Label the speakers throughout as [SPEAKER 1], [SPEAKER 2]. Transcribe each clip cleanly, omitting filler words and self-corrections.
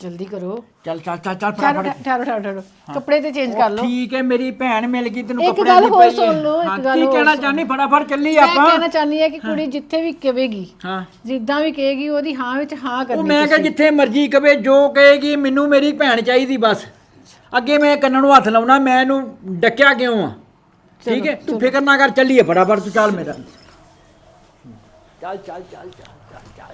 [SPEAKER 1] जल्दी करो।
[SPEAKER 2] चल चल चल चल
[SPEAKER 1] ठहरो
[SPEAKER 2] फटाफट
[SPEAKER 1] ठहरो ठहरो ठहरो कपड़े ते चेंज कर लो।
[SPEAKER 2] ठीक है मेरी भैन मिल गई तेन
[SPEAKER 1] एक
[SPEAKER 2] कपड़े
[SPEAKER 1] गल
[SPEAKER 2] दी
[SPEAKER 1] होर
[SPEAKER 2] पई
[SPEAKER 1] सुन लो,
[SPEAKER 2] हाँ,
[SPEAKER 1] एक गल
[SPEAKER 2] की
[SPEAKER 1] होर
[SPEAKER 2] कहना
[SPEAKER 1] सुन।
[SPEAKER 2] चाहनी फटाफट चली
[SPEAKER 1] मैं
[SPEAKER 2] ਆਪਾਂ
[SPEAKER 1] कहना चाहनी है कि कुड़ी जिथे भी कहेगी
[SPEAKER 2] हाँ
[SPEAKER 1] जिद्दां भी कहेगी ओदी हां विच हां
[SPEAKER 2] ਉਹ
[SPEAKER 1] करनी
[SPEAKER 2] ਮੈਂ ਕਿਹਾ
[SPEAKER 1] तुसीं।
[SPEAKER 2] ਜਿੱਥੇ ਮਰਜ਼ੀ ਕਵੇ ਜੋ ਕਹੇਗੀ ਮੈਨੂੰ ਮੇਰੀ ਭੈਣ ਚਾਹੀਦੀ ਬਸ ਅੱਗੇ ਮੈਂ ਕੰਨਾਂ ਨੂੰ ਹੱਥ ਲਾਉਣਾ ਮੈਂ ਇਹਨੂੰ ਡੱਕਿਆ ਕਿਉਂ ਆ ਠੀਕ ਹੈ ਤੂੰ ਫਿਕਰ ਨਾ ਕਰ ਚੱਲੀਏ ਫਟਾਫਟ ਤੂੰ ਚੱਲ ਮੇਰਾ ਚੱਲ ਚੱਲ ਚੱਲ ਚੱਲ ਚੱਲ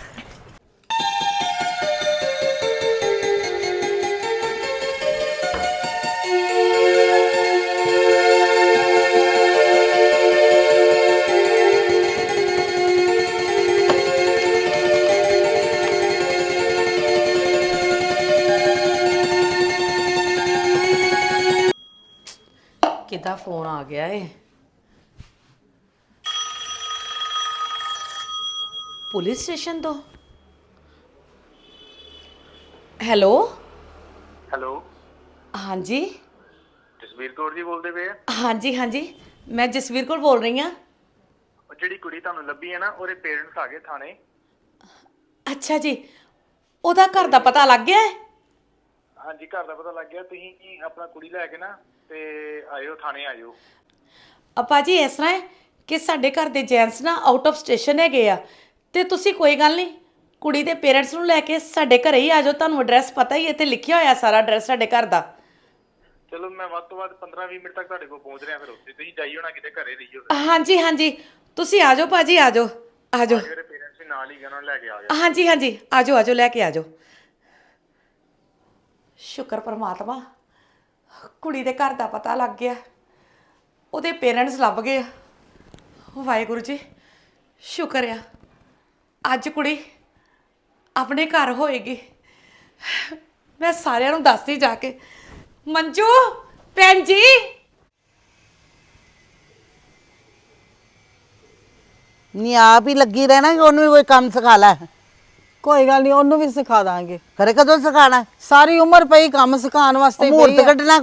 [SPEAKER 3] ਕਿਹਦਾ ਫੋਨ ਆ ਗਿਆ ਏ ਪੁਲਿਸ ਸਟੇਸ਼ਨ ਤੋਂ ਹੈਲੋ
[SPEAKER 4] ਹੈਲੋ
[SPEAKER 3] ਹਾਂਜੀ
[SPEAKER 4] ਜਸਵੀਰ ਕੌਰ ਜੀ ਬੋਲਦੇ ਪਏ ਆ?
[SPEAKER 3] ਹਾਂਜੀ ਹਾਂਜੀ ਮੈਂ ਜਸਵੀਰ ਕੌਰ ਬੋਲ ਰਹੀ ਹਾਂ
[SPEAKER 4] ਉਹ ਜਿਹੜੀ ਕੁੜੀ ਤੁਹਾਨੂੰ ਲੱਭੀ ਹੈ ਨਾ ਉਹਦੇ ਪੇਰੈਂਟਸ ਆ ਗਏ ਥਾਣੇ।
[SPEAKER 3] ਅੱਛਾ ਜੀ ਉਹਦਾ ਘਰ ਦਾ ਪਤਾ ਲੱਗ ਗਿਆ ਹੈ
[SPEAKER 4] ਹਾਂਜੀ ਘਰ ਦਾ ਪਤਾ ਲੱਗ ਗਿਆ। ਤੁਸੀਂ ਆਪਣਾ ਕੁੜੀ ਲੈ ਕੇ ਨਾ ਤੇ ਆਇਓ ਥਾਣੇ ਆਇਓ।
[SPEAKER 3] ਆਪਾ ਜੀ ਇਸ ਤਰ੍ਹਾਂ ਹੈ ਕਿ ਸਾਡੇ ਘਰ ਦੇ ਜੈਂਟਸ ਨਾ ਆਊਟ ਆਫ ਸਟੇਸ਼ਨ ਹੈਗੇ ਆ ਤੇ ਤੁਸੀਂ ਕੋਈ ਗੱਲ ਨਹੀਂ ਕੁੜੀ ਦੇ ਪੇਰੈਂਟਸ ਨੂੰ ਲੈ ਕੇ ਸਾਡੇ ਘਰੇ ਹੀ ਆ ਜਾਓ। ਤੁਹਾਨੂੰ ਐਡਰੈਸ ਪਤਾ ਹੀ ਇੱਥੇ ਲਿਖਿਆ ਹੋਇਆ ਸਾਰਾ ਐਡਰੈਸ ਸਾਡੇ ਘਰ ਦਾ।
[SPEAKER 4] ਚਲੋ ਮੈਂ ਵੱਧ ਤੋਂ ਵੱਧ 15-20 ਮਿੰਟ ਤੱਕ ਤੁਹਾਡੇ ਕੋਲ ਪਹੁੰਚ ਰਿਹਾ। ਫਿਰ ਉੱਥੇ ਤੁਸੀਂ ਜਾਈਓ ਨਾ ਕਿਤੇ ਘਰੇ ਰਹੀਓ।
[SPEAKER 3] ਹਾਂਜੀ ਹਾਂਜੀ ਤੁਸੀਂ ਆ ਜਾਓ ਭਾਜੀ ਆ ਜਾਓ ਆ ਜਾਓ
[SPEAKER 4] ਮੇਰੇ ਪੇਰੈਂਟਸ ਵੀ ਨਾਲ ਹੀ ਗਏ ਉਹਨਾਂ ਨੂੰ ਲੈ ਕੇ ਆ ਜਾਓ।
[SPEAKER 3] ਹਾਂਜੀ ਹਾਂਜੀ ਆ ਜਾਓ ਆ ਜਾਓ ਲੈ ਕੇ ਆ ਜਾਓ। ਸ਼ੁਕਰ ਪਰਮਾਤਮਾ ਕੁੜੀ ਦੇ ਘਰ ਦਾ ਪਤਾ ਲੱਗ ਗਿਆ ਉਹਦੇ ਪੇਰੈਂਟਸ ਲੱਭ ਗਏ ਵਾਹਿਗੁਰੂ ਜੀ ਸ਼ੁਕਰ ਆ ਅੱਜ ਕੁੜੀ ਆਪਣੇ ਘਰ ਹੋਏਗੀ। ਮੈਂ ਸਾਰਿਆਂ ਨੂੰ ਦੱਸਦੀ ਜਾ ਕੇ ਮੰਜੂ ਭੈਣ ਜੀ
[SPEAKER 5] नहीं आप ही लगी रहना कि ਉਹਨੂੰ ਵੀ ਕੋਈ ਕੰਮ ਸਿਖਾ ਲੈ।
[SPEAKER 6] ਕੋਈ ਗੱਲ ਨਹੀਂ ਉਹਨੂੰ ਵੀ ਸਿਖਾ ਦਾਂਗੇ।
[SPEAKER 5] ਘਰੇ ਕਦੋਂ ਸਿਖਾਣਾ
[SPEAKER 6] ਸਾਰੀ ਉਮਰ ਪਈ ਕੰਮ ਸਿਖਾਉਣ ਵਾਸਤੇ
[SPEAKER 5] ਮੂਰਤ
[SPEAKER 6] ਪਈ ਆ।
[SPEAKER 5] ਕੱਢਣਾ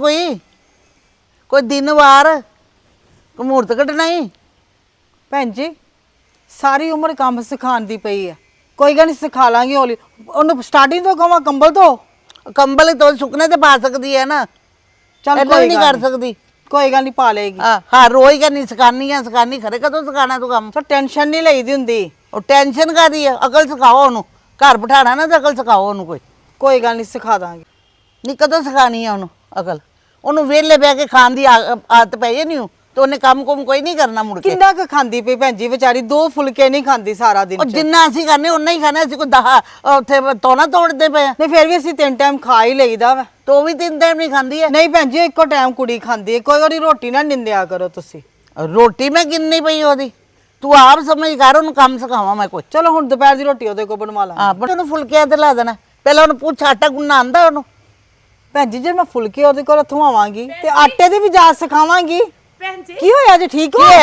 [SPEAKER 5] ਕੋਈ ਦਿਨ ਵਾਰ ਕੋਈ ਮੂਰਤ ਕੱਢਣਾ ਹੀ
[SPEAKER 6] ਭੈਣ ਜੀ ਸਾਰੀ ਉਮਰ ਕੰਮ ਸਿਖਾਉਣ ਦੀ ਪਈ ਆ। ਕੋਈ ਗੱਲ ਨਹੀਂ ਸਿਖਾ ਲਾਂਗੇ ਹੌਲੀ। ਉਹਨੂੰ ਸਟਾਰਟਿੰਗ ਤੋਂ ਕਹਾਂ ਕੰਬਲ ਤੋਂ
[SPEAKER 5] ਕੰਬਲ ਤੋਂ ਸੁੱਕਨੇ ਤੇ ਪਾ ਸਕਦੀ ਹੈ ਨਾ
[SPEAKER 6] ਚੱਲ
[SPEAKER 5] ਏਦਾਂ
[SPEAKER 6] ਕੋਈ
[SPEAKER 5] ਨਹੀਂ
[SPEAKER 6] ਗੱਲ
[SPEAKER 5] ਕਰ ਸਕਦੀ।
[SPEAKER 6] ਕੋਈ ਗੱਲ ਨਹੀਂ ਪਾ ਲਏਗੀ।
[SPEAKER 5] ਹਾਂ ਰੋਜ਼ ਕਰਨੀ ਸਿਖਾਨੀ ਖਰੇ ਕਦੋਂ ਸਿਖਾਣਾ ਤੂੰ ਕੰਮ
[SPEAKER 6] ਤਾਂ ਟੈਨਸ਼ਨ ਨਹੀਂ ਲਈਦੀ ਹੁੰਦੀ।
[SPEAKER 5] ਉਹ ਟੈਨਸ਼ਨ ਕਾਦੀ ਹੈ ਅਕਲ ਸਿਖਾਓ ਉਹਨੂੰ ਘਰ ਬਿਠਾਣਾ ਨਾ ਤੇ ਅਕਲ ਸਿਖਾਓ ਉਹਨੂੰ
[SPEAKER 6] ਕੋਈ ਗੱਲ ਨਹੀਂ ਸਿਖਾ ਦਾਂਗੇ।
[SPEAKER 5] ਨਹੀਂ ਕਦੋਂ ਸਿਖਾਣੀ ਹੈ ਉਹਨੂੰ ਅਕਲ ਉਹਨੂੰ ਵਿਹਲੇ ਬਹਿ ਕੇ ਖਾਣ ਦੀ ਆਦਤ ਪਈ ਨਹੀਂ ਤੇ ਉਹਨੇ ਕੰਮ ਕੋਈ ਨਹੀਂ ਕਰਨਾ ਮੁੜ ਕੇ।
[SPEAKER 6] ਕਿੰਨਾ ਕੁ ਖਾਂਦੀ ਪਈ ਭੈਣ ਜੀ ਵਿਚਾਰੀ 2 ਫੁਲਕੇ ਨਹੀਂ ਖਾਂਦੀ ਸਾਰਾ ਦਿਨ
[SPEAKER 5] ਉਹ
[SPEAKER 6] ਚ।
[SPEAKER 5] ਜਿੰਨਾ ਅਸੀਂ ਖਾਣੇ ਉਨਾ ਹੀ ਖਾਣਾ ਅਸੀਂ ਕੋਈ 10 ਉੱਥੇ ਤੋਣਾ ਤੋੜਦੇ ਪਏ ਆ
[SPEAKER 6] ਨਹੀਂ ਫਿਰ ਵੀ ਅਸੀਂ 3 ਟਾਈਮ ਖਾ ਹੀ ਲਈਦਾ ਵਾ।
[SPEAKER 5] ਤੇ ਉਹ ਵੀ 3 ਟਾਈਮ ਨਹੀਂ ਖਾਂਦੀ ਹੈ।
[SPEAKER 6] ਨਹੀਂ ਭੈਣ ਜੀ ਇੱਕੋ ਟਾਈਮ ਕੁੜੀ ਖਾਂਦੀ ਹੈ। ਕੋਈ ਵਾਰੀ ਰੋਟੀ ਨਾ ਨਿੰਦਿਆ ਕਰੋ ਤੁਸੀਂ।
[SPEAKER 5] ਰੋਟੀ ਮੈਂ ਕਿੰਨੀ ਪਈ ਉਹਦੀ ਤੂੰ ਆਪ ਸਮਝ ਕਰ ਉਹਨੂੰ ਕੰਮ ਸਿਖਾਵਾਂ ਮੈਂ ਕੋਈ।
[SPEAKER 6] ਚਲੋ ਹੁਣ ਦੁਪਹਿਰ ਦੀ ਰੋਟੀ ਉਹਦੇ ਕੋਲ ਬਣਵਾ ਲਾਂ।
[SPEAKER 5] ਹਾਂ ਪਰ ਉਹਨੂੰ ਫੁਲਕਿਆਂ ਤੇ ਲਾ ਦੇਣਾ ਪਹਿਲਾਂ ਉਹਨੂੰ ਪੁੱਛ ਆਟਾ ਗੁੰਨਣਾ ਆਂਦਾ ਉਹਨੂੰ।
[SPEAKER 6] ਭੈਣ ਜੀ ਜੇ ਮੈਂ ਫੁਲਕੇ ਉਹਦੇ ਕੋਲ ਥਵਾਵਾਂਗੀ ਤੇ ਆਟੇ ਦੀ ਵੀ ਜਾਚ ਸਿਖਾਵਾਂਗੀ।
[SPEAKER 3] ਭੈਣ ਜੀ
[SPEAKER 6] ਕੀ ਹੋਇਆ ਜੀ ਠੀਕ
[SPEAKER 5] ਕੀ
[SPEAKER 6] ਹੋ?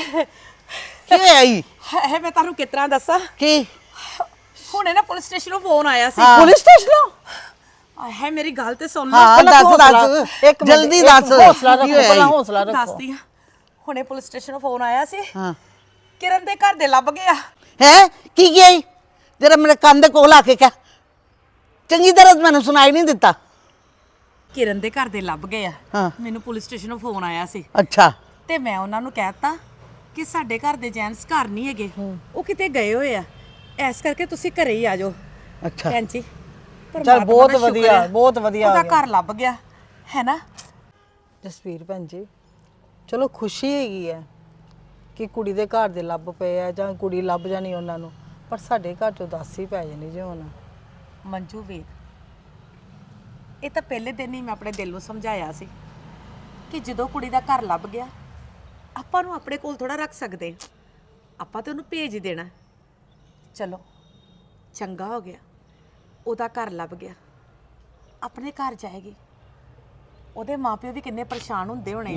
[SPEAKER 5] ਹੋਇਆ ਈ
[SPEAKER 3] ਹੈ ਮੈਂ ਤੁਹਾਨੂੰ ਕਿਤਨਾ ਦੱਸਾਂ
[SPEAKER 5] ਕੀ
[SPEAKER 3] ਹੁਣੇ ਨਾ ਪੁਲਿਸ ਸਟੇਸ਼ਨੋਂ ਫੋਨ ਆਇਆ ਸੀ।
[SPEAKER 6] ਪੁਲਿਸ ਸਟੇਸ਼ਨੋਂ?
[SPEAKER 3] ਹੈ ਮੇਰੀ ਗੱਲ ਤੇ ਸੁਣ ਲਓ
[SPEAKER 5] ਹਾਂ
[SPEAKER 6] ਪਹਿਲਾਂ
[SPEAKER 5] ਦੱਸ
[SPEAKER 6] ਹੌਸਲਾ- ਇੱਕ ਮਿੰਟ,
[SPEAKER 5] ਜਲਦੀ
[SPEAKER 6] ਇੱਕ
[SPEAKER 5] ਦੱਸ
[SPEAKER 6] ਹੌਸਲਾ
[SPEAKER 5] ਕੀ
[SPEAKER 6] ਰੱਖੋ
[SPEAKER 5] ਹੋਇਆ
[SPEAKER 6] ਪਹਿਲਾਂ
[SPEAKER 5] ਈ?
[SPEAKER 6] ਹੌਸਲਾ ਰੱਖੋ।
[SPEAKER 3] ਦੱਸਦੀ ਆ ਹੁਣੇ ਪੁਲਿਸ ਸਟੇਸ਼ਨੋਂ ਫੋਨ ਆਇਆ ਸੀ
[SPEAKER 5] ਹਾਂ
[SPEAKER 3] ਕਿਰਨ ਦੇ ਘਰ ਦੇ ਲੱਭ ਗਿਆ।
[SPEAKER 5] ਹੈ ਕੀ ਗਿਆ ਈ ਜਰਾ ਮੇਰੇ ਕੰਨ ਦੇ ਕੋਲ ਆ ਕੇ ਕਹਿ ਚੰਗੀ ਤਰ੍ਹਾਂ ਮੈਨੂੰ ਸੁਣਾਈ ਨਹੀਂ ਦਿੱਤਾ।
[SPEAKER 3] ਕਿਰਨ ਦੇ ਘਰ ਦੇ ਲੱਭ ਗਏ ਆ।
[SPEAKER 5] ਹਾਂ।
[SPEAKER 3] ਮੈਨੂੰ ਪੁਲਿਸ ਸਟੇਸ਼ਨੋਂ ਫੋਨ ਆਇਆ ਸੀ
[SPEAKER 5] ਅੱਛਾ
[SPEAKER 3] ਤੇ ਮੈਂ ਉਹਨਾਂ ਨੂੰ ਕਹਿਤਾ ਕਿ ਸਾਡੇ ਘਰ ਦੇ ਜੈਂਟਸ ਘਰ ਨਹੀਂ ਹੈਗੇ ਉਹ ਕਿਤੇ ਗਏ ਹੋਏ ਆ ਇਸ ਕਰਕੇ ਤੁਸੀਂ ਘਰੇ ਹੀ ਆ ਜਾਓ।
[SPEAKER 5] ਅੱਛਾ
[SPEAKER 3] ਭੈਣ ਜੀ
[SPEAKER 6] ਚਲ
[SPEAKER 3] ਪਰਮਾਤਮਾ
[SPEAKER 6] ਬਹੁਤ
[SPEAKER 3] ਦਾ ਸ਼ੁਕਰ
[SPEAKER 6] ਵਧੀਆ
[SPEAKER 3] ਹੈ,
[SPEAKER 6] ਬਹੁਤ ਵਧੀਆ
[SPEAKER 3] ਉਹਦਾ
[SPEAKER 6] ਹੋ ਗਿਆ।
[SPEAKER 3] ਘਰ ਲੱਭ ਗਿਆ ਹੈ ਨਾ।
[SPEAKER 6] ਜਸਵੀਰ ਭੈਣ ਜੀ ਚਲੋ ਖੁਸ਼ੀ ਹੈਗੀ ਹੈ ਕਿ ਕੁੜੀ ਦੇ ਘਰ ਦੇ ਲੱਭ ਪਏ ਆ ਜਾਂ ਕੁੜੀ ਲੱਭ ਜਾਣੀ ਉਹਨਾਂ ਨੂੰ, ਪਰ ਸਾਡੇ ਘਰ ਚੋਂ ਉਦਾਸੀ ਪੈ ਜਾਣੀ ਜੇ ਹੁਣ।
[SPEAKER 3] ਮੰਜੂ ਵੀਰ ਇਹ ਤਾਂ ਪਹਿਲੇ ਦਿਨ ਹੀ ਮੈਂ ਆਪਣੇ ਦਿਲ ਨੂੰ ਸਮਝਾਇਆ ਸੀ ਕਿ ਜਦੋਂ ਕੁੜੀ ਦਾ ਘਰ ਲੱਭ ਗਿਆ ਆਪਾਂ ਨੂੰ ਆਪਣੇ ਕੋਲ ਥੋੜਾ ਰੱਖ ਸਕਦੇ ਆਪਾਂ ਤੇ ਉਹਨੂੰ ਭੇਜ ਹੀ ਦੇਣਾ। ਚਲੋ ਚੰਗਾ ਹੋ ਗਿਆ ਉਹਦਾ ਘਰ ਲੱਭ ਗਿਆ ਆਪਣੇ ਘਰ ਜਾਏਗੀ। ਉਹਦੇ ਮਾਪਿਓ ਵੀ ਕਿੰਨੇ ਪਰੇਸ਼ਾਨ ਹੁੰਦੇ ਹੋਣੇ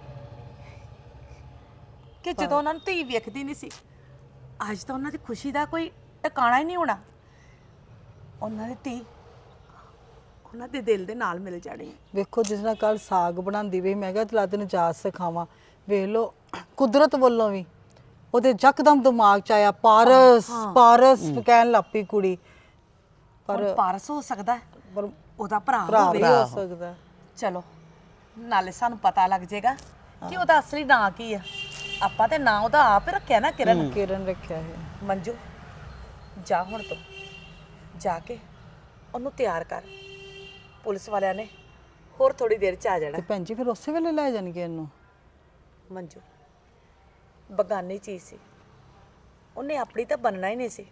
[SPEAKER 3] ਕਿ ਜਦੋਂ ਉਹਨਾਂ ਨੂੰ ਧੀ ਵੇਖਦੀ ਨਹੀਂ ਸੀ। ਅੱਜ ਤਾਂ ਉਹਨਾਂ ਦੀ ਖੁਸ਼ੀ ਦਾ ਕੋਈ ਟਿਕਾਣਾ ਹੀ ਨਹੀਂ ਹੋਣਾ। ਉਹਨਾਂ ਦੀ ਧੀ ਉਹਨਾਂ ਦੇ ਦਿਲ ਦੇ ਨਾਲ ਮਿਲ ਜਾਣੀ।
[SPEAKER 6] ਵੇਖੋ ਜਿਸ ਨਾਲ ਕੱਲ ਸਾਗ ਬਣਾਉਂਦੀ ਵੇ ਮੈਂ ਕਿਹਾ ਤਲਾ ਤੈਨੂੰ ਜਾਚ ਸਿਖਾਵਾਂ। ਵੇਖ ਲੋ ਕੁਦਰਤ ਵੱਲੋਂ ਵੀ ਉਹਦੇ ਯਕਦਮ ਦਿਮਾਗ ਚ ਆਇਆ ਪਾਰਸ ਪਾਰਸ ਕਹਿਣ ਲੱਗ ਪਈ ਕੁੜੀ।
[SPEAKER 3] ਪਰ ਪਾਰਸ ਹੋ ਸਕਦਾ ਹੈ,
[SPEAKER 6] ਪਰ
[SPEAKER 3] ਉਹਦਾ ਭਰਾ
[SPEAKER 6] ਭਰਾ
[SPEAKER 3] ਹੋਵੇ।
[SPEAKER 6] ਵੀ ਹੋ ਸਕਦਾ।
[SPEAKER 3] ਚਲੋ ਨਾਲੇ ਸਾਨੂੰ ਪਤਾ ਲੱਗ ਜਾਏਗਾ ਕਿ ਉਹਦਾ ਅਸਲੀ ਨਾਂ ਕੀ ਆ। ਆਪਾਂ ਤੇ ਨਾਂ ਉਹਦਾ ਆਪ ਹੀ ਰੱਖਿਆ ਨਾ, ਕਿਰਨ।
[SPEAKER 6] ਕਿਰਨ ਰੱਖਿਆ ਹੈ।
[SPEAKER 3] ਮੰਜੂ ਜਾ ਹੁਣ ਤੂੰ ਜਾ ਕੇ ਉਹਨੂੰ ਤਿਆਰ ਕਰ। ਪੁਲਿਸ ਵਾਲਿਆਂ ਨੇ ਹੋਰ ਥੋੜੀ ਦੇਰ ਚ ਆ ਜਾਣਾ।
[SPEAKER 6] ਤੇ ਭੈਣ ਜੀ ਫਿਰ ਉਸੇ ਵੇਲੇ ਲੈ ਜਾਣਗੇ ਇਹਨੂੰ?
[SPEAKER 3] ਮੰਜੂ ਬਗਾਨੀ ਚੀਜ਼ ਸੀ, ਉਹਨੇ ਆਪਣੀ ਤਾਂ ਬਣਨਾ ਹੀ ਨਹੀਂ ਸੀ।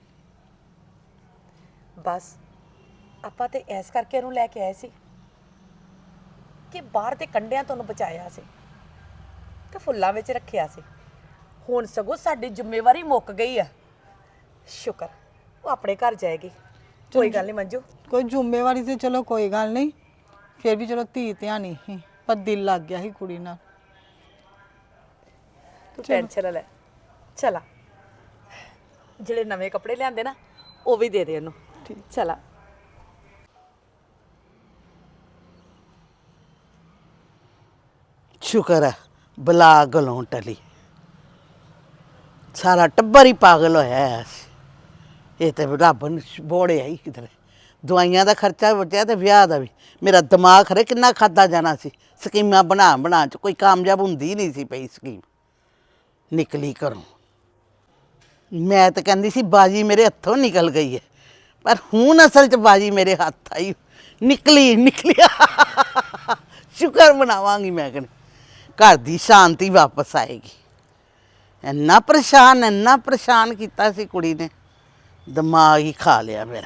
[SPEAKER 3] ਬਸ ਆਪਾਂ ਤੇ ਐਸ ਕਰਕੇ ਉਹਨੂੰ ਲੈ ਕੇ ਆਏ ਸੀ ਕਿ ਬਾਹਰ ਦੇ ਕੰਢਿਆਂ ਤੋਂ ਉਹਨੂੰ ਬਚਾਇਆ ਸੀ ਤੇ ਫੁੱਲਾਂ ਵਿੱਚ ਰੱਖਿਆ ਸੀ। ਹੁਣ ਸਗੋਂ ਸਾਡੀ ਜ਼ਿੰਮੇਵਾਰੀ ਮੁੱਕ ਗਈ ਆ। ਸ਼ੁਕਰ ਉਹ ਆਪਣੇ ਘਰ ਜਾਏਗੀ। ਕੋਈ ਗੱਲ ਨਹੀਂ ਮੰਜੂ,
[SPEAKER 6] ਕੋਈ ਜ਼ਿੰਮੇਵਾਰੀ ਤੇ ਚਲੋ ਕੋਈ ਗੱਲ ਨਹੀਂ, ਫਿਰ ਵੀ ਚਲੋ ਧੀ ਧਿਆਣੀ ਸੀ, ਪਰ ਦਿਲ ਲੱਗ ਗਿਆ ਸੀ ਕੁੜੀ ਨਾਲ।
[SPEAKER 3] ਤੂੰ ਟੈਨਸ਼ਨ ਨਾ ਲੈ। ਚਲਾ ਜਿਹੜੇ ਨਵੇਂ ਕੱਪੜੇ ਲਿਆਂਦੇ ਨਾ ਉਹ ਵੀ ਦੇ ਦੇ ਉਹਨੂੰ। ਠੀਕ, ਚਲਾ।
[SPEAKER 5] ਸ਼ੁਕਰ ਹੈ ਬਲਾ ਗਲੋਂ ਟਲੀ। ਸਾਰਾ ਟੱਬਰ ਹੀ ਪਾਗਲ ਹੋਇਆ ਹੈ। ਇਹ ਤੇ ਰੱਬ ਨੇ ਬੋੜਿਆ ਹੀ ਕਿਧਰੇ। ਦਵਾਈਆਂ ਦਾ ਖਰਚਾ ਬਚਿਆ ਤੇ ਵਿਆਹ ਦਾ ਵੀ। ਮੇਰਾ ਦਿਮਾਗ ਖਰੇ ਕਿੰਨਾ ਖਾਦਾ ਜਾਣਾ ਸੀ। ਸਕੀਮਾਂ ਬਣਾ ਚ ਕੋਈ ਕਾਮਯਾਬ ਹੁੰਦੀ ਨਹੀਂ ਸੀ ਪਈ ਸਕੀਮ। ਨਿਕਲੀ ਘਰੋਂ। ਮੈਂ ਤਾਂ ਕਹਿੰਦੀ ਸੀ ਬਾਜੀ ਮੇਰੇ ਹੱਥੋਂ ਨਿਕਲ ਗਈ ਹੈ, ਪਰ ਹੁਣ ਅਸਲ 'ਚ ਬਾਜੀ ਮੇਰੇ ਹੱਥ ਆਈ। ਨਿਕਲੀ। ਸ਼ੁਕਰ ਮਨਾਵਾਂਗੀ ਮੈਂ ਕਹਿੰਦੀ, ਘਰ ਦੀ ਸ਼ਾਂਤੀ ਵਾਪਸ ਆਏਗੀ। ਇੰਨਾ ਪਰੇਸ਼ਾਨ ਕੀਤਾ ਸੀ ਕੁੜੀ ਨੇ, ਦਿਮਾਗ ਹੀ ਖਾ ਲਿਆ ਮੇਰਾ।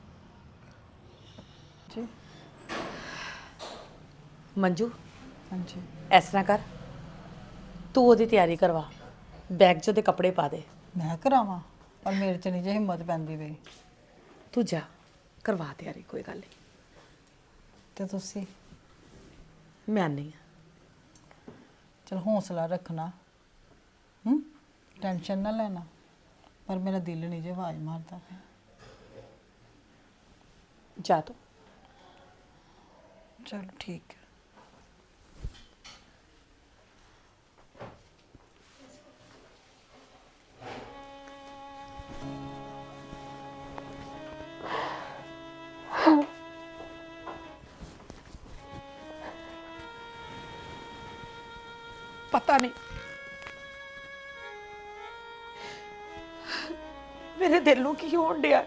[SPEAKER 3] ਮੰਜੂ
[SPEAKER 6] ਹਾਂਜੀ
[SPEAKER 3] ਇਸ ਤਰ੍ਹਾਂ ਕਰ, ਤੂੰ ਉਹਦੀ ਤਿਆਰੀ ਕਰਵਾ, ਬੈਗ 'ਚ ਉਹਦੇ ਕੱਪੜੇ ਪਾ ਦੇ।
[SPEAKER 6] ਮੈਂ ਕਰਾਵਾਂ, ਪਰ ਮੇਰੇ 'ਚ ਨਹੀਂ ਜੇ ਹਿੰਮਤ ਪੈਂਦੀ ਪਈ।
[SPEAKER 3] ਤੂੰ ਜਾ ਕਰਵਾ ਤਿਆਰੀ, ਕੋਈ ਗੱਲ ਨਹੀਂ।
[SPEAKER 6] ਤੇ ਤੁਸੀਂ
[SPEAKER 3] ਮੈਂ ਨਹੀਂ
[SPEAKER 6] ਚਲ ਹੌਸਲਾ ਰੱਖਣਾ, ਟੈਨਸ਼ਨ ਨਾ ਲੈਣਾ, ਪਰ ਮੇਰਾ ਦਿਲ ਨਹੀਂ ਜੇ ਆਵਾਜ਼ ਮਾਰਦਾ ਪਿਆ।
[SPEAKER 3] ਜਾ ਤੂੰ।
[SPEAKER 6] ਚਲ ਠੀਕ ਹੈ।
[SPEAKER 3] ਪਤਾ ਨਹੀਂ ਮੇਰੇ ਦਿਲ ਨੂੰ ਕੀ ਹੋਣ ਡਿਆ।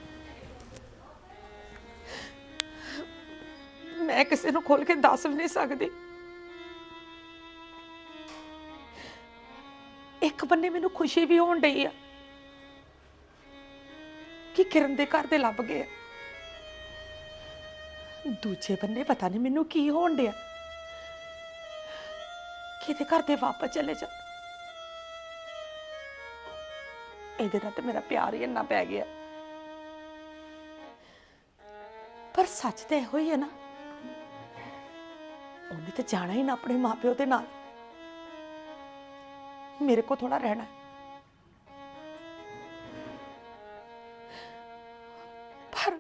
[SPEAKER 3] ਮੈਂ ਕਿਸੇ ਨੂੰ ਖੋਲ ਕੇ ਦੱਸ ਵੀ ਨਹੀਂ ਸਕਦੀ। ਇੱਕ ਬੰਨੇ ਮੈਨੂੰ ਖੁਸ਼ੀ ਵੀ ਹੋਣ ਡਈ ਆ ਕਿ ਕਿਰਨ ਦੇ ਘਰ ਦੇ ਲੱਭ ਗਏ। ਦੂਜੇ ਬੰਨੇ ਪਤਾ ਨਹੀਂ ਮੈਨੂੰ ਕੀ ਹੋਣ ਡਿਆ ਕਿ ਇਹਦੇ ਘਰ ਦੇ ਵਾਪਸ ਚਲੇ ਜਾ। ਇਹਦੇ ਨਾਲ ਤੇ ਮੇਰਾ ਪਿਆਰ ਹੀ ਇੰਨਾ ਪੈ ਗਿਆ। ਪਰ ਸੱਚ ਤੇ ਇਹੋ ਹੀ ਹੈ ਨਾ, ਉਹਨੇ ਤੇ ਜਾਣਾ ਹੀ ਨਾ ਆਪਣੇ ਮਾਪਿਓ ਦੇ ਨਾਲ। ਮੇਰੇ ਕੋ ਥੋੜਾ ਰਹਿਣਾ। ਪਰ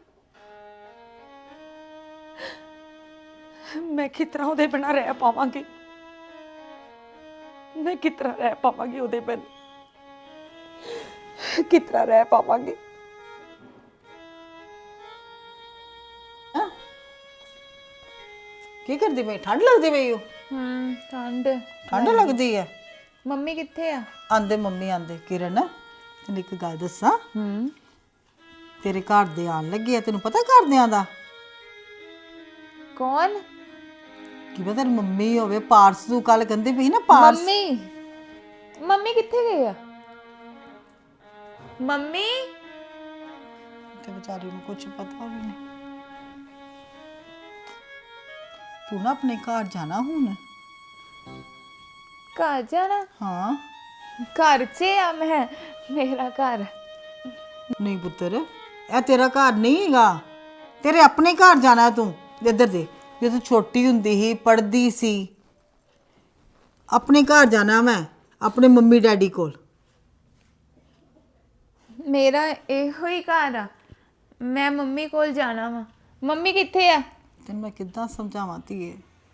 [SPEAKER 3] ਮੈਂ ਕਿਸ ਤਰ੍ਹਾਂ ਉਹਦੇ ਬਿਨਾਂ ਰਹਿ ਪਾਵਾਂਗੀ? ਮੈਂ ਕਿਸ ਤਰ੍ਹਾਂ ਰਹਿ ਪਾਵਾਂਗੀ ਉਹਦੇ ਬਿਨਾਂ? ਕਿਸ ਤਰ੍ਹਾਂ ਰਹਿ ਪਾਵਾਂਗੀ?
[SPEAKER 6] ਕੀ ਕਰਦੀ ਪਈ? ਠੰਡ ਲੱਗਦੀ ਪਈ? ਠੰਡ ਲੱਗਦੀ ਹੈ?
[SPEAKER 1] ਮੰਮੀ ਕਿੱਥੇ ਆ?
[SPEAKER 6] ਆਂਦੇ ਮੰਮੀ ਆਂਦੇ। ਕਿਰਨ ਤੈਨੂੰ ਇੱਕ ਗੱਲ ਦੱਸਾਂ, ਤੇਰੇ ਘਰ ਦੇ ਆਣ ਲੱਗੇ ਆ। ਤੈਨੂੰ ਪਤਾ ਘਰਦਿਆਂ ਦਾ?
[SPEAKER 1] ਕੌਣ?
[SPEAKER 6] ਕੀ ਪਤਾ ਤੇਰੀ ਮੰਮੀ ਹੋਵੇ। ਪਾਰਸ ਤੂੰ ਕੱਲ ਕਹਿੰਦੀ ਪਈ ਨਾ ਪਾਰਸ।
[SPEAKER 1] ਮੰਮੀ ਕਿੱਥੇ ਗਏ ਆ? ਮੰਮੀ
[SPEAKER 6] ਤੇ ਵਿਚਾਰੀ ਨੂੰ ਕੁਝ ਪਤਾ ਵੀ ਨਹੀਂ। ਤੂੰ ਨਾ ਆਪਣੇ ਘਰ ਜਾਣਾ ਹੁਣ।
[SPEAKER 1] ਘਰ ਜਾਣਾ?
[SPEAKER 6] ਹਾਂ।
[SPEAKER 1] ਘਰ 'ਚ ਆ ਮੈਂ, ਮੇਰਾ ਘਰ।
[SPEAKER 6] ਨਹੀਂ ਪੁੱਤਰ, ਇਹ ਤੇਰਾ ਘਰ ਨਹੀਂ ਹੈਗਾ। ਤੇਰੇ ਆਪਣੇ ਘਰ ਜਾਣਾ ਤੂੰ। ਇੱਧਰ ਦੇ, ਜਦੋਂ ਤੂੰ ਛੋਟੀ ਹੁੰਦੀ ਸੀ, ਪੜ੍ਹਦੀ ਸੀ, ਆਪਣੇ ਘਰ ਜਾਣਾ ਮੈਂ, ਆਪਣੇ ਮੰਮੀ ਡੈਡੀ ਕੋਲ।
[SPEAKER 1] ਮੇਰਾ ਇਹੋ ਹੀ ਘਰ ਆ, ਮੈਂ ਮੰਮੀ ਕੋਲ ਜਾਣਾ ਵਾ। ਮੰਮੀ ਕਿੱਥੇ ਆ?
[SPEAKER 6] ਤੈਨੂੰ ਮੈਂ ਕਿੱਦਾਂ ਸਮਝਾਵਾਂ ਧੀਏ,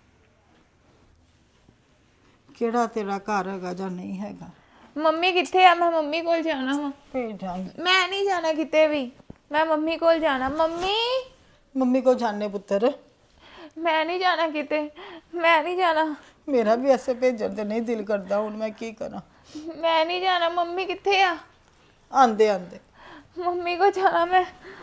[SPEAKER 6] ਕਿਹੜਾ ਤੇਰਾ ਘਰ ਹੈਗਾ ਜਾਂ ਨਹੀਂ ਹੈਗਾ।
[SPEAKER 1] ਮੰਮੀ ਕਿੱਥੇ ਆ? ਮੈਂ ਮੰਮੀ ਕੋਲ ਜਾਣਾ ਵਾ।
[SPEAKER 6] ਭੇਜਾਂਗੀ।
[SPEAKER 1] ਮੈਂ ਨਹੀਂ ਜਾਣਾ ਕਿਤੇ ਵੀ। ਮੈਂ ਮੰਮੀ ਕੋਲ ਜਾਣਾ। ਮੰਮੀ
[SPEAKER 6] ਮੰਮੀ ਕੋ ਜਾਣੇ ਪੁੱਤਰ,
[SPEAKER 1] ਮੈਂ ਨਹੀਂ ਜਾਣਾ ਕਿਤੇ, ਮੈਂ ਨਹੀਂ ਜਾਣਾ,
[SPEAKER 6] ਮੇਰਾ ਵੀ ਐਸੇ ਭੇਜਣ ਤੇ ਨਹੀਂ ਦਿਲ ਕਰਦਾ, ਹੁਣ ਮੈਂ ਕੀ ਕਰਾਂ।
[SPEAKER 1] ਮੈਂ ਨਹੀਂ ਜਾਣਾ। ਮੰਮੀ ਕਿੱਥੇ ਆ?
[SPEAKER 6] ਆਂਦੇ ਆਂਦੇ
[SPEAKER 1] ਮੰਮੀ ਕੋ ਜਾਣਾ ਮੈਂ।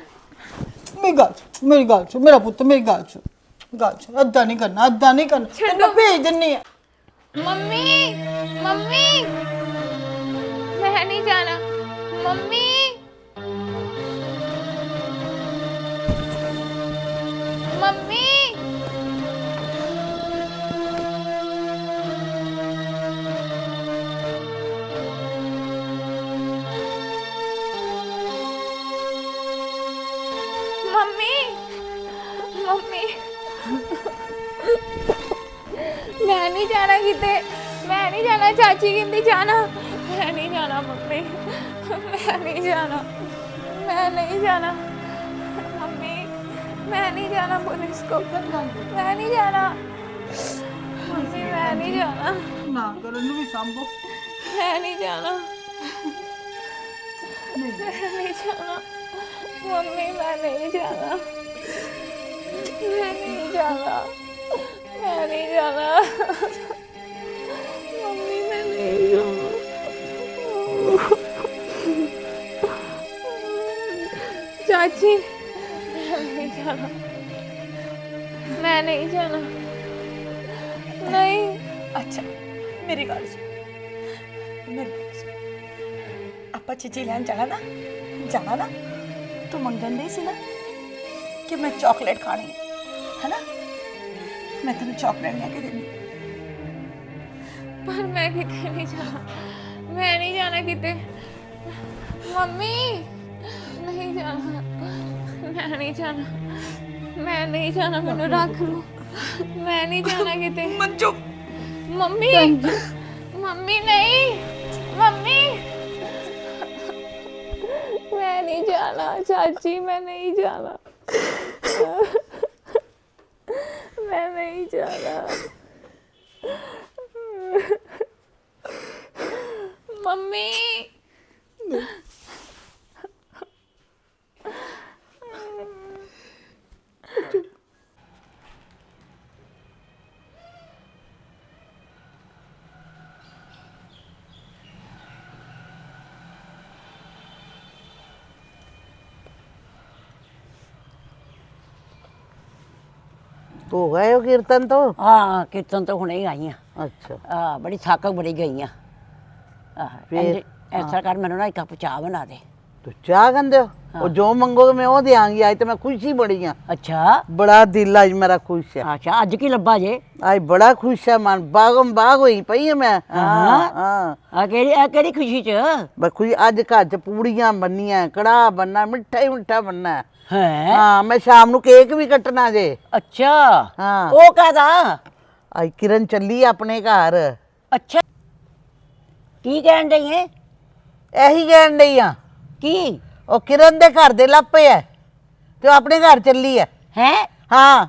[SPEAKER 6] ਮੇਰੀ ਗੱਲ ਸੁਣ ਮੇਰਾ ਪੁੱਤ, ਮੇਰੀ ਗੱਲ ਸੁਣ, ਅੱਧਾ ਨਹੀਂ ਕਰਨਾ, ਅੱਧਾ ਨਹੀਂ ਕਰਨਾ, ਤੈਨੂੰ ਭੇਜ ਦਿੰਨੀ ਆ।
[SPEAKER 1] ਮੰਮੀ ਮੰਮੀ ਮੈਂ ਨਹੀਂ ਜਾਣਾ। ਮੰਮੀ ਮੰਮੀ ਮੰਮੀ ਮੰਮੀ ਮੈਂ ਨਹੀਂ ਜਾਣਾ ਕਿਤੇ, ਮੈਂ ਨਹੀਂ ਜਾਣਾ। ਚਾਚੀ ਕਹਿੰਦੀ ਜਾਣਾ, ਮੈਂ ਨਹੀਂ ਜਾਣਾ। ਮੰਮੀ ਮੈਂ ਨਹੀਂ ਜਾਣਾ, ਮੈਂ ਨਹੀਂ ਜਾਣਾ। ਮੰਮੀ मैं नहीं जाना पुलिस को, मैं नहीं जाना। मम्मी मैं नहीं जाना,
[SPEAKER 6] ਨਾ ਕਰਨ ਨੂੰ ਵੀ ਸੰਭੋ।
[SPEAKER 1] मैं नहीं जाना, मैं नहीं जाना। मम्मी मैं नहीं जाना, मैं नहीं जाना, मैं नहीं जाना। मम्मी मैं नहीं जाना। चाची मैं नहीं जाना, मैं नहीं जाना। नहीं
[SPEAKER 3] ਅੱਛਾ ਮੇਰੀ ਗੱਲ ਸੁਣ, ਮੇਰੀ ਗੱਲ ਸੁਣ। ਆਪਾਂ ਚੀਜ਼ੀ ਲੈਣ ਜਾਣਾ ਨਾ ਤੂੰ ਮੰਗਣ ਦੇ ਸੀ ਨਾ ਕਿ ਮੈਂ ਚਾਕਲੇਟ ਖਾਣੀ ਹੈ ਨਾ, ਮੈਂ ਤੈਨੂੰ ਚਾਕਲੇਟ ਲੈ ਕੇ ਦੇਣੀ।
[SPEAKER 1] पर मैं किते नहीं जाना, मैं नहीं जाना किते। मम्मी नहीं जाना, मैं नहीं जाना, मैं नहीं जाना। मैनू रख लो, मैं नहीं जाना किते।
[SPEAKER 3] मंजू
[SPEAKER 1] मम्मी मम्मी नहीं, मम्मी मैं नहीं जाना। चाची मैं नहीं जाना, मैं नहीं जाना। मम्मी
[SPEAKER 5] ਹੋ ਗਏ ਹੋ ਕੀਰਤਨ ਤੋਂ?
[SPEAKER 7] ਹਾਂ ਕੀਰਤਨ ਤੋਂ ਹੁਣੇ ਹੀ ਆਈ ਆ।
[SPEAKER 5] ਅੱਛਾ
[SPEAKER 7] ਆ ਬੜੀ ਥੱਕ ਬੜੀ ਗਈ ਆ।
[SPEAKER 5] ਫਿਰ?
[SPEAKER 7] ਐਸਾ ਕਰ ਮੈਨੂੰ ਨਾ ਇੱਕ ਕੱਪ ਚਾਹ ਬਣਾ ਦੇ।
[SPEAKER 5] ਤੂੰ ਚਾਹ ਕਹਿੰਦੇ ਹੋ? ਉਹ ਜੋ ਮੰਗੋਗੇ ਮੈਂ ਉਹ ਦਿਆਂਗੀ। ਅੱਜ ਤੇ ਮੈਂ ਖੁਸ਼ੀ ਬੜੀ ਆ,
[SPEAKER 7] ਅੱਛਾ
[SPEAKER 5] ਬੜਾ ਦਿਲ ਅੱਜ ਮੇਰਾ ਖੁਸ਼ ਹੈ।
[SPEAKER 7] ਅੱਛਾ ਅੱਜ ਕੀ ਲੱਭਾ ਜੇ?
[SPEAKER 5] ਅੱਜ ਬੜਾ ਖੁਸ਼ ਹੈ, ਮਨ ਬਾਗਮ ਬਾਗ ਹੋਈ ਪਈ ਹੈ ਮੈਂ।
[SPEAKER 7] ਹਾਂ?
[SPEAKER 5] ਹਾਂ
[SPEAKER 7] ਆ ਕਿਹੜੀ ਖੁਸ਼ੀ ਚ?
[SPEAKER 5] ਬਸ ਖੁਸ਼ੀ ਅੱਜ ਘਰ ਚ ਪੂੜੀਆਂ ਬੰਨੀਆਂ, ਕੜਾਹ ਬੰਨਾ, ਮਿੱਠਾ ਹੀ ਮਿੱਠਾ ਬੰਨਾ।
[SPEAKER 7] ਹੈ
[SPEAKER 5] ਹਾਂ ਮੈਂ ਸ਼ਾਮ ਨੂੰ ਕੇਕ ਵੀ ਕੱਟਣਾ ਜੇ।
[SPEAKER 7] ਅੱਛਾ
[SPEAKER 5] ਹਾਂ
[SPEAKER 7] ਉਹ ਕਾਹਦਾ?
[SPEAKER 5] ਅੱਜ ਕਿਰਨ ਚੱਲੀ ਆਪਣੇ ਘਰ।
[SPEAKER 7] ਅੱਛਾ ਕੀ ਕਹਿਣ ਡਈ ਏ?
[SPEAKER 5] ਇਹੀ ਕਹਿਣ ਡਈ ਆ,
[SPEAKER 7] ਕੀ
[SPEAKER 5] ਉਹ ਕਿਰਨ ਦੇ ਘਰ ਦੇ ਲੱਪੇ ਐ ਤੇ ਉਹ ਆਪਣੇ ਘਰ ਚੱਲੀ ਐ।
[SPEAKER 7] ਹੈ?
[SPEAKER 5] ਹਾਂ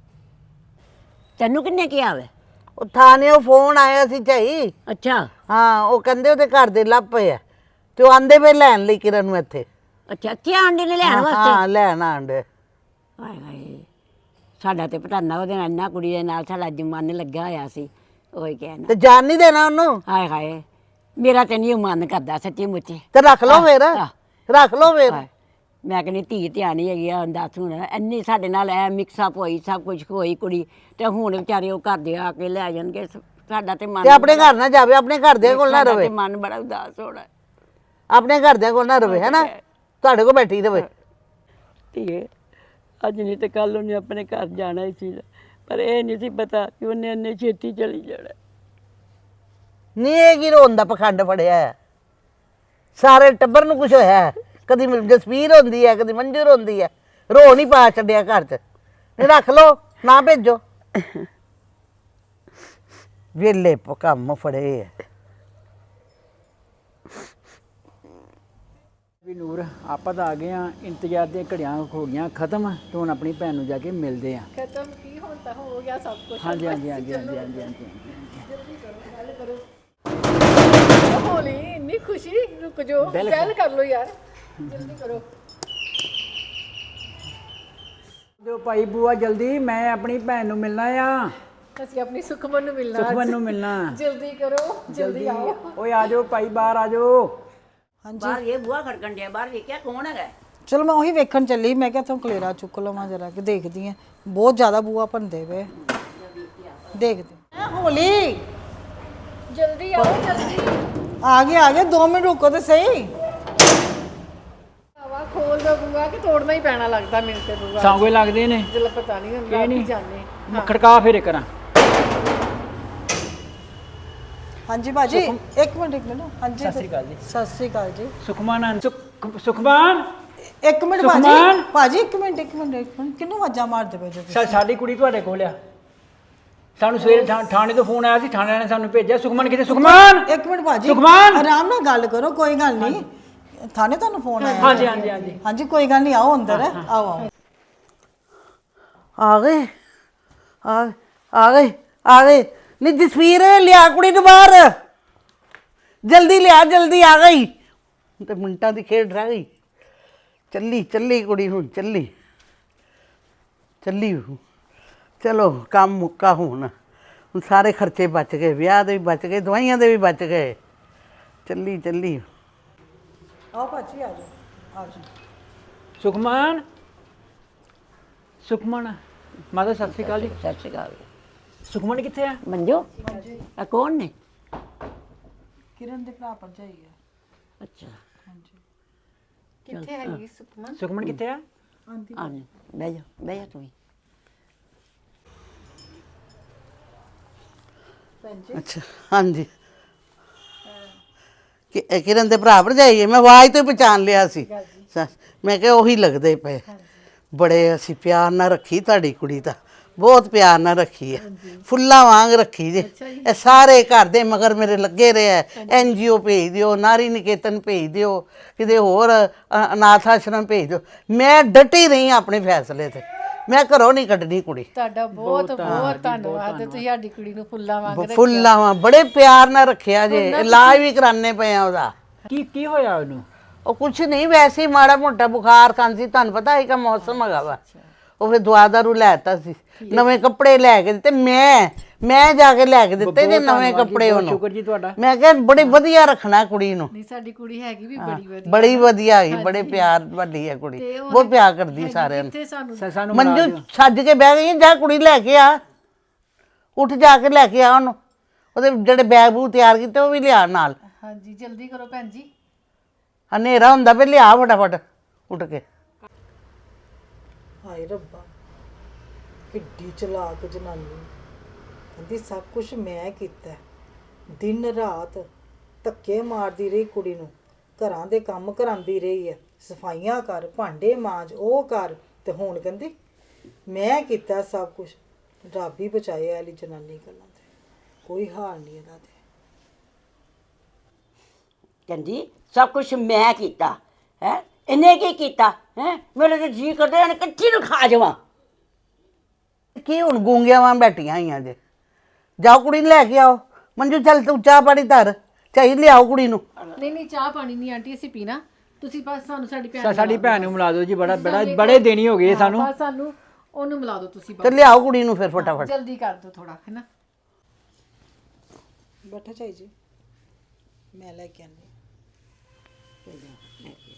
[SPEAKER 7] ਤੈਨੂੰ ਕਿੰਨੇ ਕਿਹਾ ਵੇ?
[SPEAKER 5] ਉਹ ਥਾਣੇ ਉਹ ਫੋਨ ਆਇਆ ਸੀ ਝਾਈ।
[SPEAKER 7] ਅੱਛਾ
[SPEAKER 5] ਹਾਂ ਉਹ ਕਹਿੰਦੇ ਉਹਦੇ ਘਰ ਦੇ ਲੱਪੇ ਐ ਤੇ ਉਹ ਆਂਦੇ ਵੇ ਲੈਣ ਲਈ ਕਿਰਨ ਨੂੰ ਇੱਥੇ।
[SPEAKER 7] ਅੱਛਾ ਕੀ ਆਂਡੇ ਨੇ ਲੈਣ
[SPEAKER 5] ਹਾਂ
[SPEAKER 7] ਵਾਸਤੇ?
[SPEAKER 5] ਲੈਣ ਆਂਡੇ।
[SPEAKER 7] ਹਾਏ ਹਾਏ ਸਾਡਾ ਤੇ ਪਟਾਨਾ ਉਹਦੇ ਨਾਲ ਇੰਨਾ ਕੁੜੀ ਦੇ ਨਾਲ ਸਾਡਾ ਜਮਨ ਲੱਗਾ ਹੋਇਆ ਸੀ। ਉਹੀ ਕਹਿਣਾ
[SPEAKER 5] ਤੇ ਜਾਣ ਨਹੀਂ ਦੇਣਾ ਉਹਨੂੰ।
[SPEAKER 7] ਹਾਏ ਹਾਏ ਮੇਰਾ ਤੇ ਨਹੀਂ ਮਨ ਕਰਦਾ ਸੱਚੀ ਮੁੱਚੀ।
[SPEAKER 5] ਤੇ ਰੱਖ ਲਓ ਫੇਰ, ਰੱਖ ਲਓ ਫੇਰ।
[SPEAKER 7] ਹਾਏ, ਮੈਂ ਕਹਿੰਦੀ ਧੀ ਧਿਆਨ ਹੀ ਹੈਗੀ ਆ। ਦੱਸ ਹੁਣ ਇੰਨੀ ਸਾਡੇ ਨਾਲ ਐ ਮਿਕਸਅਪ ਹੋਈ, ਸਭ ਕੁਝ ਹੋਈ ਕੁੜੀ, ਤੇ ਹੁਣ ਵਿਚਾਰੇ ਉਹ ਘਰ ਦੇ ਆ ਕੇ ਲੈ ਜਾਣਗੇ। ਸਾਡਾ ਤੇ ਮਨ
[SPEAKER 5] ਤੇ ਆਪਣੇ ਘਰ ਨਾ ਜਾਵੇ, ਆਪਣੇ ਘਰ ਦੇ ਕੋਲ ਨਾ
[SPEAKER 7] ਸਾਡਾ
[SPEAKER 5] ਰਵੇ,
[SPEAKER 7] ਤੇ ਮਨ ਬੜਾ ਉਦਾਸ ਹੋਣਾ।
[SPEAKER 5] ਆਪਣੇ ਘਰ ਦੇ ਕੋਲ ਨਾ ਰਵੇ, ਹੈ ਨਾ, ਤੁਹਾਡੇ ਕੋਲ ਬੈਠੀ ਰਵੇ।
[SPEAKER 7] ਧੀਏ ਅੱਜ ਨਹੀਂ ਤੇ ਕੱਲ ਉਹਨੇ ਆਪਣੇ ਘਰ ਜਾਣਾ ਹੀ ਸੀ, ਪਰ ਇਹ ਨਹੀਂ ਸੀ ਪਤਾ ਕਿ ਉਹਨੇ ਇੰਨੇ ਛੇਤੀ ਚਲੀ ਜਾਣਾ।
[SPEAKER 5] ਨਹੀਂ ਇਹ ਕੀ ਰੋਣ ਦਾ ਪਖੰਡ ਫੜਿਆ ਹੈ? ਸਾਰੇ ਟੱਬਰ ਨੂੰ ਕੁਝ ਹੋਇਆ ਹੈ। ਕਦੀ ਜਸਵੀਰ ਹੁੰਦੀ ਹੈ, ਕਦੀ ਮੰਜੂਰ ਹੁੰਦੀ ਹੈ, ਰੋ ਨਹੀਂ ਪਾ ਛੱਡਿਆ ਘਰ 'ਚ। ਨਹੀਂ ਰੱਖ ਲਓ, ਨਾ ਭੇਜੋ। ਵੇਲੇ ਕੰਮ ਫੜੇ ਹੈ।
[SPEAKER 2] ਵੀ ਨੂਰ ਆਪਾਂ ਤਾਂ ਆ ਗਏ ਆ, ਇੰਤਜ਼ਾਰ ਦੀਆਂ ਘੜੀਆਂ ਹੋ ਗਈਆਂ ਖਤਮ ਤੇ ਹੁਣ ਆਪਣੀ ਭੈਣ ਨੂੰ ਜਾ ਕੇ ਮਿਲਦੇ ਆ।
[SPEAKER 6] ਖਤਮ ਕੀ ਹੁਣ ਤਾਂ ਹੋ ਗਿਆ ਸਭ ਕੁਝ।
[SPEAKER 2] ਹਾਂਜੀ ਹਾਂਜੀ ਹਾਂਜੀ ਹਾਂਜੀ ਹਾਂਜੀ ਹਾਂਜੀ
[SPEAKER 6] ਹੋਲੀ ਇੰਨੀ ਖੁਸ਼ੀ, ਰੁਕ ਜਾਓ, ਗੱਲ ਕਰ ਲਓ ਯਾਰ, ਜਲਦੀ ਕਰੋ।
[SPEAKER 2] ਜੋ ਭਾਈ ਬੂਆ ਜਲਦੀ, ਮੈਂ ਆਪਣੀ ਭੈਣ ਨੂੰ ਮਿਲਣਾ ਆ।
[SPEAKER 8] ਅਸੀਂ ਆਪਣੀ ਸੁਖਮਨ ਨੂੰ ਮਿਲਣਾ
[SPEAKER 2] ਸੁਖਮਨ ਨੂੰ ਮਿਲਣਾ।
[SPEAKER 8] ਜਲਦੀ ਕਰੋ ਜਲਦੀ ਆਓ।
[SPEAKER 2] ਓਏ ਆ ਜਾਓ ਭਾਈ, ਬਾਹਰ ਆ ਜਾਓ।
[SPEAKER 7] ਬਾਹਰ ਇਹ ਬੂਹਾ ਖੜਕਣ ਡਿਆ, ਬਾਹਰ ਵੇਖਿਆ ਕੌਣ ਹੈਗਾ?
[SPEAKER 6] ਚਲੋ ਮੈਂ ਉਹੀ ਵੇਖਣ ਚੱਲੀ, ਮੈਂ ਕਿਹਾ ਤੂੰ ਕਲੇਰਾ ਚੁੱਕ ਲਵਾਂ ਜਰਾ ਕਿ ਦੇਖਦੀ ਆ। ਬਹੁਤ ਜ਼ਿਆਦਾ ਬੂਆ ਭੰਦੇ ਵੇ, ਦੇਖਦੇ ਹੋਲੀ
[SPEAKER 8] ਜਲਦੀ ਆਓ ਜਲਦੀ।
[SPEAKER 6] ਆ ਗਏ 2 ਮਿੰਟ ਰੁਕੋ ਤੇ ਸਹੀ।
[SPEAKER 8] ਹਵਾ ਖੋਲ ਦੋ ਬੂਆ ਕਿ ਤੋੜਨਾ ਹੀ ਪੈਣਾ ਲੱਗਦਾ ਮੈਨੂੰ ਤੇ ਬੂਆ।
[SPEAKER 2] ਸਾਂਗੋਏ ਲੱਗਦੇ ਨੇ,
[SPEAKER 8] ਜਲ ਪਤਾ ਨਹੀਂ ਹੁੰਦਾ ਕੀ ਜਾਣੇ।
[SPEAKER 2] ਖੜਕਾ ਫੇਰੇ ਕਰਾਂ।
[SPEAKER 6] ਹਾਂਜੀ ਭਾਜੀ, ਇੱਕ ਮਿੰਟ ਹਾਂਜੀ
[SPEAKER 2] ਸਤਿ ਸ੍ਰੀ ਅਕਾਲ ਜੀ।
[SPEAKER 6] ਸਤਿ ਸ੍ਰੀ ਅਕਾਲ ਜੀ।
[SPEAKER 2] ਸੁਖਮਾਨ ਸੁਖਮਾਨ
[SPEAKER 6] ਇੱਕ ਮਿੰਟ
[SPEAKER 2] ਸੁਖਮਾਨ।
[SPEAKER 6] ਭਾਜੀ ਇੱਕ ਮਿੰਟ ਕਿਹਨੂੰ ਆਵਾਜ਼ਾਂ ਮਾਰਦੇ ਪਏ ਜੋ ਤੁਸੀਂ?
[SPEAKER 2] ਸਾਡੀ ਕੁੜੀ ਤੁਹਾਡੇ ਕੋਲ ਆ। ਸਾਨੂੰ ਸਵੇਰੇ ਥਾਣੇ ਤੋਂ ਫੋਨ ਆਇਆ ਸੀ, ਥਾਣੇ ਵਾਲਿਆਂ ਨੇ ਸਾਨੂੰ ਭੇਜਿਆ। ਸੁਖਮਨ ਕਿੱਥੇ? ਸੁਖਮਾਨ
[SPEAKER 6] ਇੱਕ ਮਿੰਟ ਭਾਜੀ,
[SPEAKER 2] ਸੁਖਮਾਨ।
[SPEAKER 6] ਆਰਾਮ ਨਾਲ ਗੱਲ ਕਰੋ, ਕੋਈ ਗੱਲ ਨਹੀਂ। ਥਾਣੇ ਤੁਹਾਨੂੰ ਫੋਨ ਆਇਆ?
[SPEAKER 2] ਹਾਂਜੀ ਹਾਂਜੀ ਹਾਂਜੀ।
[SPEAKER 6] ਹਾਂਜੀ ਕੋਈ ਗੱਲ ਨਹੀਂ, ਆਓ ਅੰਦਰ। ਆਓ
[SPEAKER 5] ਆ ਗਏ ਆ ਗਏ ਨੀ ਜਸਵੀਰ, ਲਿਆ ਕੁੜੀ ਨੂੰ ਬਾਹਰ, ਜਲਦੀ ਲਿਆ, ਜਲਦੀ ਆ ਗਈ। ਤੇ ਮਿੰਟਾਂ ਦੀ ਖੇਡ ਰਹਿ ਗਈ। ਚੱਲੀ ਕੁੜੀ ਹੁਣ, ਚੱਲੀ। ਚਲੋ ਕੰਮ ਮੁੱਕਾ ਹੁਣ ਸਾਰੇ ਖਰਚੇ ਬਚ ਗਏ, ਵਿਆਹ ਦੇ ਵੀ ਬਚ ਗਏ, ਦਵਾਈਆਂ ਦੇ ਵੀ ਬਚ ਗਏ। ਚੱਲੀ
[SPEAKER 6] ਆਓ ਭਾਜੀ, ਆ ਜਾਓ।
[SPEAKER 2] ਸੁਖਮਾਨ ਮਾਤਾ ਸਤਿ ਸ੍ਰੀ ਅਕਾਲ ਜੀ।
[SPEAKER 7] ਸਤਿ ਸ਼੍ਰੀ ਅਕਾਲ।
[SPEAKER 2] ਸੁਖਮਨ ਕਿੱਥੇ ਆ?
[SPEAKER 7] ਮੰਜੋ ਆ ਕੌਣ ਨੇ?
[SPEAKER 6] ਕਿਰਨ ਦੇ ਭਰਾ ਭਰਜਾਈ ਹੈ।
[SPEAKER 7] ਅੱਛਾ
[SPEAKER 8] ਕਿੱਥੇ ਹੈਗੀ ਸੁਖਮਨ?
[SPEAKER 2] ਸੁਖਮਨ ਕਿੱਥੇ ਆ?
[SPEAKER 7] ਆ ਜਾ, ਬਹਿ ਜਾ ਤੂੰ ਵੀ।
[SPEAKER 5] ਅੱਛਾ ਹਾਂਜੀ, ਕਿਰਨ ਦੇ ਭਰਾ ਭਰਜਾਈ ਹੈ। ਮੈਂ ਆਵਾਜ਼ ਤੋਂ ਹੀ ਪਛਾਣ ਲਿਆ ਸੀ। ਮੈਂ ਕਿਹਾ ਉਹੀ ਲੱਗਦੇ ਪਏ। ਬੜੇ ਅਸੀਂ ਪਿਆਰ ਨਾਲ ਰੱਖੀ ਤੁਹਾਡੀ ਕੁੜੀ ਤਾਂ, ਬਹੁਤ ਪਿਆਰ ਨਾਲ ਰੱਖੀ ਹੈ, ਫੁੱਲਾਂ ਵਾਂਗ ਰੱਖੀ ਜੇ। ਇਹ ਸਾਰੇ ਘਰ ਦੇ ਮਗਰ ਮੇਰੇ ਲੱਗੇ ਰਹੇ ਹੈ। NGO ਭੇਜ ਦਿਓ, ਨਾਰੀ ਨਿਕੇਤਨ ਭੇਜ ਦਿਓ, ਕਿਤੇ ਹੋਰ ਅਨਾਥ ਆਸ਼ਰਮ ਭੇਜ ਦਿਓ। ਮੈਂ ਡਟੀ ਰਹੀ ਆਪਣੇ ਫੈਸਲੇ ਤੇ, ਮੈਂ ਘਰੋਂ ਨਹੀਂ ਕੱਢਣੀ ਕੁੜੀ।
[SPEAKER 8] ਤੁਹਾਡਾ ਬਹੁਤ ਧੰਨਵਾਦ। ਤੁਸੀਂ ਸਾਡੀ ਕੁੜੀ ਨੂੰ ਫੁੱਲਾਂ ਵਾਂਗ
[SPEAKER 5] ਫੁੱਲਾਂ ਵਾਂ ਬੜੇ ਪਿਆਰ ਨਾਲ ਰੱਖਿਆ ਜੇ। ਇਲਾਜ ਵੀ ਕਰਾਣੇ ਪਏ ਆ ਉਹਦਾ।
[SPEAKER 2] ਕੀ ਹੋਇਆ ਉਹਨੂੰ?
[SPEAKER 5] ਉਹ ਕੁਛ ਨਹੀਂ, ਵੈਸੇ ਹੀ ਮਾੜਾ ਮੋਟਾ ਬੁਖਾਰ ਖਾਂਸੀ, ਤੁਹਾਨੂੰ ਪਤਾ ਹੈ ਕਿ ਮੌਸਮ ਹੈਗਾ ਵਾ। ਉਹ ਫਿਰ ਦਵਾ ਦਾਰੂ ਲੈਤਾ ਸੀ, ਨਵੇਂ ਕੱਪੜੇ ਲੈ ਕੇ ਦਿੱਤੇ। ਮੈਂ ਜਾ ਕੇ ਲੈ ਕੇ ਦਿੱਤੇ ਜੇ ਨਵੇਂ ਕੱਪੜੇ ਉਹਨੂੰ।
[SPEAKER 2] ਸ਼ੁਕਰ ਜੀ ਤੁਹਾਡਾ।
[SPEAKER 5] ਮੈਂ ਕਿਹਾ ਬੜੀ ਵਧੀਆ ਰੱਖਣਾ ਕੁੜੀ ਨੂੰ।
[SPEAKER 8] ਨਹੀਂ, ਸਾਡੀ ਕੁੜੀ ਹੈਗੀ ਵੀ ਬੜੀ ਵਧੀਆ।
[SPEAKER 5] ਬੜੀ ਵਧੀਆ ਹੈਗੀ, ਬੜੇ ਪਿਆਰ ਵਾਲੀ ਹੈ ਕੁੜੀ, ਬਹੁਤ ਪਿਆਰ ਕਰਦੀ ਸਾਰਿਆਂ ਨੂੰ।
[SPEAKER 8] ਤੇ ਸਾਨੂੰ
[SPEAKER 2] ਸਾਨੂੰ
[SPEAKER 5] ਮੰਜੂ ਛੱਜ ਕੇ ਬਹਿ ਗਈ, ਜਾ ਕੁੜੀ ਲੈ ਕੇ ਆ, ਉੱਠ ਜਾ ਕੇ ਲੈ ਕੇ ਆ ਉਹਨੂੰ। ਉਹਦੇ ਜਿਹੜੇ ਬੈਗ ਬੂਗ ਤਿਆਰ ਕੀਤੇ ਉਹ ਵੀ ਲਿਆ ਨਾਲ।
[SPEAKER 8] ਹਾਂਜੀ ਜਲਦੀ ਕਰੋ ਭੈਣ ਜੀ।
[SPEAKER 5] ਹਨੇਰਾ ਹੁੰਦਾ ਪਏ, ਲਿਆ ਫਟਾਫਟ ਉੱਠ ਕੇ।
[SPEAKER 6] ਹਾਏ ਰੱਬਾ, ਕਿੱਡੀ ਚਲਾਕ ਜਨਾਨੀ। ਕਹਿੰਦੀ ਸਭ ਕੁਝ ਮੈਂ ਕੀਤਾ। ਦਿਨ ਰਾਤ ਧੱਕੇ ਮਾਰਦੀ ਰਹੀ ਕੁੜੀ ਨੂੰ, ਘਰਾਂ ਦੇ ਕੰਮ ਕਰਾਉਂਦੀ ਰਹੀ ਹੈ, ਸਫਾਈਆਂ ਕਰ, ਭਾਂਡੇ ਮਾਂਜ, ਉਹ ਕਰ, ਤੇ ਹੁਣ ਕਹਿੰਦੀ ਮੈਂ ਕੀਤਾ ਸਭ ਕੁਝ। ਰੱਬ ਹੀ ਬਚਾਏ ਵਾਲੀ ਜਨਾਨੀ ਗੱਲਾਂ ਤੇ, ਕੋਈ ਹਾਲ ਨਹੀਂ ਇਹਦਾ ਤੇ।
[SPEAKER 7] ਕਹਿੰਦੀ ਸਭ ਕੁਝ ਮੈਂ ਕੀਤਾ ਹੈ, ਇਹਨੇ ਕੀ ਕੀਤਾ ਹੈ? ਮੇਰੇ ਤੇ ਜੀ ਕਰਦੇ ਨੇ ਇਕੱਠੀ ਨੂੰ ਖਾ ਜਾਵਾਂ।
[SPEAKER 5] ਕੀ ਹੁਣ ਗੂੰਗਿਆਂ ਵਾਂ ਬੈਠੀਆਂ ਹੋਈਆਂ ਜੇ? ਜਾਓ ਕੁੜੀ ਨੂੰ ਲੈ ਕੇ ਆਓ। ਮੰਜੂ ਚੱਲ ਤੂੰ ਚਾਹ ਪਾਣੀ ਧਰ, ਚਾਹੀ ਲਿਆਓ ਕੁੜੀ ਨੂੰ।
[SPEAKER 8] ਨਹੀਂ ਚਾਹ ਪਾਣੀ ਨਹੀਂ ਆਂਟੀ ਅਸੀਂ ਪੀਣਾ। ਤੁਸੀਂ ਬਸ ਸਾਨੂੰ ਸਾਡੀ
[SPEAKER 2] ਸਾਡੀ ਭੈਣ ਨੂੰ ਮਿਲਾ ਦਿਓ ਜੀ। ਬੜੇ ਦਿਨ ਹੀ ਹੋ ਗਏ ਸਾਨੂੰ।
[SPEAKER 8] ਬਸ ਸਾਨੂੰ ਉਹਨੂੰ ਮਿਲਾ ਦਿਓ ਤੁਸੀਂ
[SPEAKER 5] ਤੇ ਲਿਆਓ ਕੁੜੀ ਨੂੰ ਫਿਰ ਫਟਾਫਟ।
[SPEAKER 8] ਜਲਦੀ ਕਰ ਦਿਓ ਥੋੜਾ, ਹੈ ਨਾ।
[SPEAKER 6] ਬੈਠਾ ਚਾਈ ਜੀ, ਮੈਂ ਲੈ ਕੇ ਆਨੀ।